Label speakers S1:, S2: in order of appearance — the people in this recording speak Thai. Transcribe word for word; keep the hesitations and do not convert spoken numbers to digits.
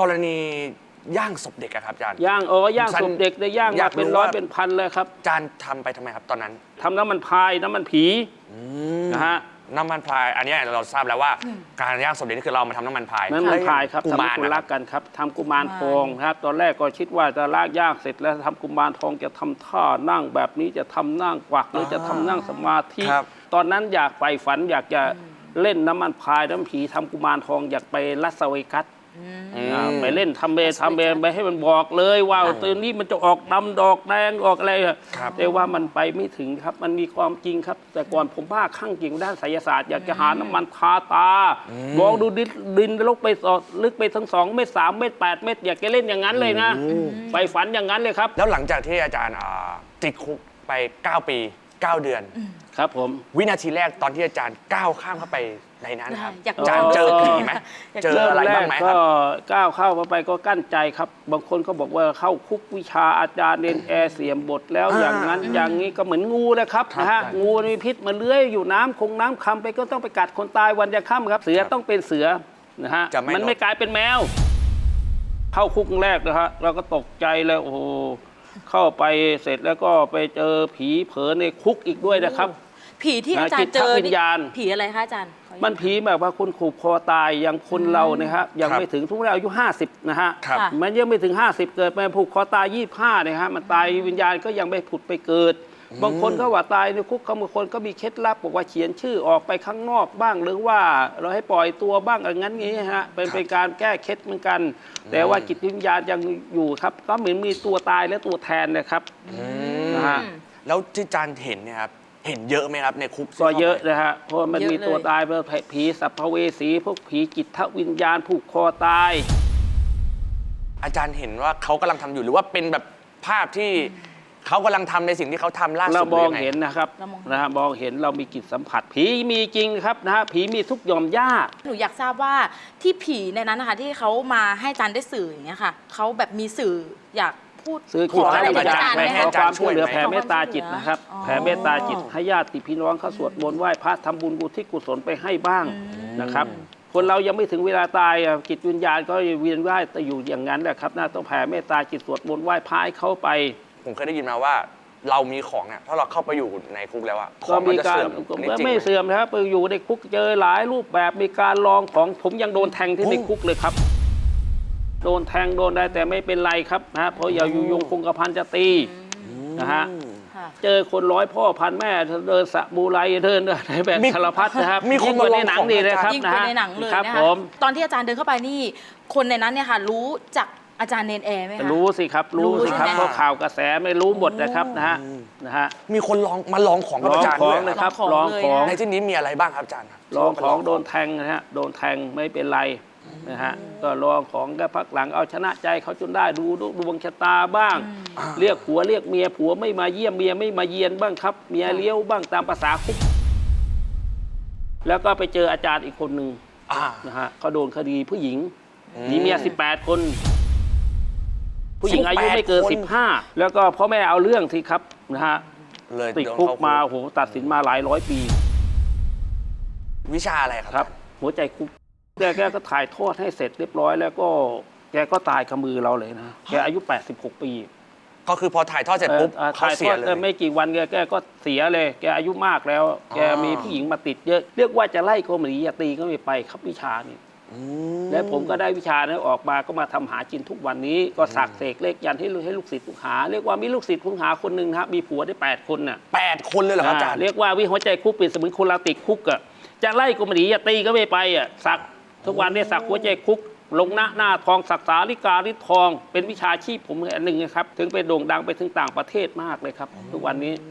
S1: กรณีย่างศพเด็กอะครับอาจารย์
S2: ย่างอ๋อย่างศพเด็กได้ย่างมาเป็นร้อยเป็นพันเลยครับ
S1: อาจารย์ทำไปทำไมครับตอนนั้น
S2: ทำน้ำมันพายน้ำมันผีนะฮะ
S1: น้ำมันพายอันนี้เราทราบแล้วว่าการย่างศพเด็กนี่คือเรามาทำน้ำมันพาย
S2: น้ำมันพายครับ
S1: กุมาร
S2: รักกันครับทำกุมารทองครับตอนแรกก็คิดว่าจะลากย่างเสร็จแล้วทำกุมารทองจะทำท่านั่งแบบนี้จะทำนั่งกวักหรือจะทำนั่งสมาธิตอนนั้นอยากไปฝันอยากจะเล่นน้ำมันพายน้ำผีทำกุมารทองอยากไปลาสเวกัสไปเล่นทำเบทำเบไปให้มันบอกเลยว่าตัวนี้มันจะออกดำดอกแดงออกอะไรแต่ว่ามันไปไม่ถึงครับมันมีความจริงครับแต่ก่อนผมบ้าข้างจริงด้านไสยศาสตร์อยากจะหาน้ำมันทาตามองดูดินดินลึกไปลึกไปทั้งสองเมตรสามเมตรแปดเมตรอยากจะเล่นอย่างนั้นเลยนะไปฝันอย่างนั้นเลยครับ
S1: แล้วหลังจากที่อาจารย์ติดคุกไปเก้าปีเก้าเดือน
S2: ครับผม
S1: วินาทีแรกตอนที่อาจารย์ก้าวข้ามเข้าไปในนั้นครับอาจารย์เจอผีไหมเจออะไรบ้างไหมครับ
S2: ก็ก้าวเข้าไปก็กั้นใจครับบางคนก็บอกว่าเข้าคุกวิชาอาจารย์เรียนแอร์เสียมบทแล้วอย่างนั้นอย่างนี้ก็เหมือนงูนะครับนะฮะงูมีพิษมันเลื้อยอยู่น้ำคงน้ำคำไปก็ต้องไปกัดคนตายวันจะค่ำครับเสือต้องเป็นเสือนะฮะมันไม่กลายเป็นแมวเข้าคุกแรกนะฮะเราก็ตกใจแล้วโอ้เข้าไปเสร็จแล้วก็ไปเจอผีเผลอในคุกอีกด้วยนะครับ
S3: ผีที่อาจารย์เจอ
S2: วิญญาณ
S3: ผีอะไรคะอาจารย์
S2: มันผีแบบว่าคนขู่คอตายอย่างคนเรานะครับยังไม่ถึงทุกเราอายุห้าสิบนะฮะมันยังไม่ถึงห้าสิบเกิดไปผูกคอตายยี่สิบห้าเนี่ยฮะมันตายวิญญาณก็ยังไม่ผุดไปเกิดบางคนก็ว่าตายในคุกบางคนก็มีเคล็ดลับบอกว่าเขียนชื่อออกไปข้างนอกบ้างหรือว่าเราให้ปล่อยตัวบ้างอย่างนั้นงี้ฮะเป็นเป็นการแก้เคล็ดเหมือนกันแต่ว่าจิตวิญญาณยังอยู่ครับก็เหมือนมีตัวตายและตัวแทนนะครับ
S1: นะฮะแล้วที่อาจารย์เห็นเนี่ยครับเห็นเยอะไหมครับในคุก
S2: ก็เยอะนะฮะเพราะมันมีตัวตายเป็นผีสัพเวสีพวกผีจิตวิญญาณผูกคอตาย
S1: อาจารย์เห็นว่าเขากำลังทำอยู่หรือว่าเป็นแบบภาพที่เขากำลังทำในสิ่งที่เขาทำล่าสุด
S2: เรามองเห็นนะครับนะฮะมองเห็นเรามีจิตสัมผัสผีมีจริงครับนะฮะผีมีทุกยอมย่า
S3: หนูอยากทราบว่าที่ผีในนั้นนะคะที่เขามาให้อาจารย์ได้สื่ออย่างเงี้ยค่ะเขาแบบมีสื่ออยากพูด
S2: ขออะไรอาจารย์ให้อาจารย์ช่วยเหลือแผ่เมตตาจิตนะครับแผ่เมตตาจิตให้ญาติพี่น้องเขาสวดมนต์ไหว้พระทำบุญกุศลกุศลไปให้บ้างนะครับคนเรายังไม่ถึงเวลาตายจิตวิญญาณก็เวียนว่ายแต่อยู่อย่างนั้นแหละครับน่าต้องแผ่เมตตาจิตสวดมนต์ไหว้พระให้เขาไป
S1: ผมเคยได้ยินมาว่าเรามีของเนี่ยถ้าเราเข้าไปอยู่ในคุกแล้วอะ
S2: ก็มีการไม่เสื่อมนะครับไปอยู่ในคุกเจอหลายรูปแบบมีการลองของผมยังโดนแทงที่ในคุกเลยครับโดนแทงโดนได้แต่ไม่เป็นไรครับนะเพราะอย่าอยู่ยงคงกระพันจะตีนะฮะเจอคนร้อยพ่อพันแม่เดินสะบูไรเดินในแบบสารพัดนะครับ
S1: มีคน
S2: มาในหนังดีเลยครับ
S3: นะฮะในหนังเลยนะครับตอนที่อาจารย์เดินเข้าไปนี่คนในนั้นเนี่ยค่ะรู้จักอาจารย์เนนแอร์ไหมคะ
S2: รู้สิครับรู้สิครับเพราะข่าวกระแสไม่รู้หมดนะครับนะฮะนะฮะ
S1: มีคนลองมาลองของกับอาจารย์
S2: ด้วยนะครับลองของ
S1: ในที่นี้มีอะไรบ้างครับอาจารย์
S2: ลองของโดนแทงนะฮะโดนแทงไม่เป็นไรนะฮะก็ลองของก็พักหลังเอาชนะใจเขาจนได้ดูดวงชะตาบ้างเรียกผัวเรียกเมียผัวไม่มาเยี่ยมเมียไม่มาเยียนบ้างครับเมียเลี้ยวบ้างตามภาษาคุกแล้วก็ไปเจออาจารย์อีกคนหนึ่งนะฮะเขาโดนคดีผู้หญิงมีเมียสิบแปดคนผู้หญิงอายุไม่เกินสิบห้าแล้วก็พ่อแม่เอาเรื่องที่ครับนะฮะติดคุกมาโหตัดสินมาหลายร้อยปี
S1: วิชาอะไรครับ
S2: หัวใจคุกแกแกก็ถ่ายทอดให้เสร็จเรียบร้อยแล้วก็แกก็ตายกับมือเราเลยนะแกอายุแปดสิบหกปี
S1: ก็คือพอถ่ายทอดเสร็จปุ๊บ
S2: เขาเสียเลยไม่กี่วันแกแกก็เสียเลยแกอายุมากแล้วแกมีผู้หญิงมาติดเยอะเรียกว่าจะไล่โกมรีตีก็ไม่ไปครับวิชานี่และผมก็ได้วิชานี้ออกมาก็มาทำหาจินทุกวันนี้ก็สักเสกเลขยันให้ให้ลูกศิษย์ลูกหาเรียกว่ามีลูกศิษย์ลูกหาคนหนึ่งครับมีผัวได้แปดคนน่ะ
S1: แปดคนเลยเหรอครับอาจารย์
S2: เรียกว่าวิหัวใจคุกเป็นสมุนโคลาติกคุกอ่ะจะไล่โกมรีตีก็ไม่ไปอ่ะสักทุกวันนี้สักหัวใจคุกลงหน้าหน้าทองสักสาลิกาลิทองเป็นวิชาชีพผมอันหนึ่งนะครับถึงไปโด่งดังไปถึงต่างประเทศมากเลยครับทุกวันนี้